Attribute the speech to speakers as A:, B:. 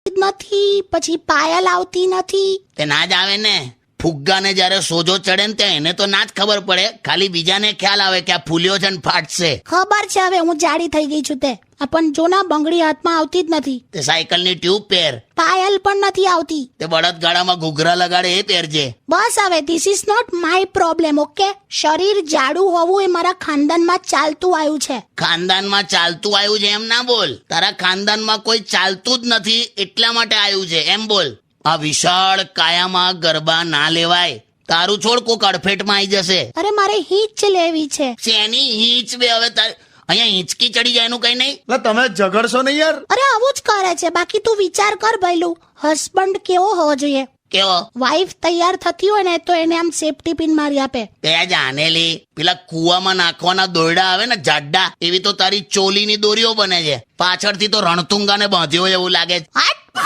A: નથી, પછી પાયલ આવતી નથી.
B: તે ના જ આવે ને. ફુગ્ગાને જ્યારે સોજો ચડે ને ત્યાં એને તો ના જ ખબર પડે, ખાલી બીજાને ખ્યાલ આવે કે આ ફૂલ્યો છે ને ફાટશે.
A: ખબર છે હવે હું જાડી થઈ ગઈ છું તે. પણ જો ના બંગડી હાથમાં આવતી જ નથી.
B: તે સાયકલની ટ્યુબ પહેર.
A: પાયલ પણ નથી આવતી.
B: તે બળદગાડામાં ઘૂઘરા લગાડે એ પહેરજે.
A: બસ હવે this is not my problem. Okay, શરીર જાડું હોવું એ મારા ખાનદાનમાં ચાલતું આવ્યું છે.
B: ખાનદાનમાં ચાલતું આવ્યું છે એમ ના બોલ. તારા ખાનદાનમાં કોઈ ચાલતું જ નથી એટલા માટે આવ્યું છે એમ બોલ. આ વિશાળ કાયામાં ગરબા ના લેવાય. તારું છોડ કોક અડફેટમાં આવી જશે.
A: અરે મારે હિંચ લેવી છે.
B: શેની હિંચ બે? હવે અહીંયા હિંચકી ચડી જાય એનું કઈ નહીં.
C: એટલે તમે ઝઘડશો નહીં યાર.
A: અરે આવું જ કરે છે. બાકી તું વિચાર કર ભઈલું, હસબન્ડ કેવો હોવો જોઈએ?
B: કેવો?
A: વાઈફ તૈયાર થતી હોય ને તો એને આમ સેફટી પિન મારી આપે.
B: તે જાનેલી પેલા કુવામાં નાખવાના દોરડા આવે ને જાડા, એવી તો તારી ચોલીની દોરીઓ બને છે. પાછળથી તો રણતુંગાને બાંધ્યો એવું લાગે છે.
A: હટ!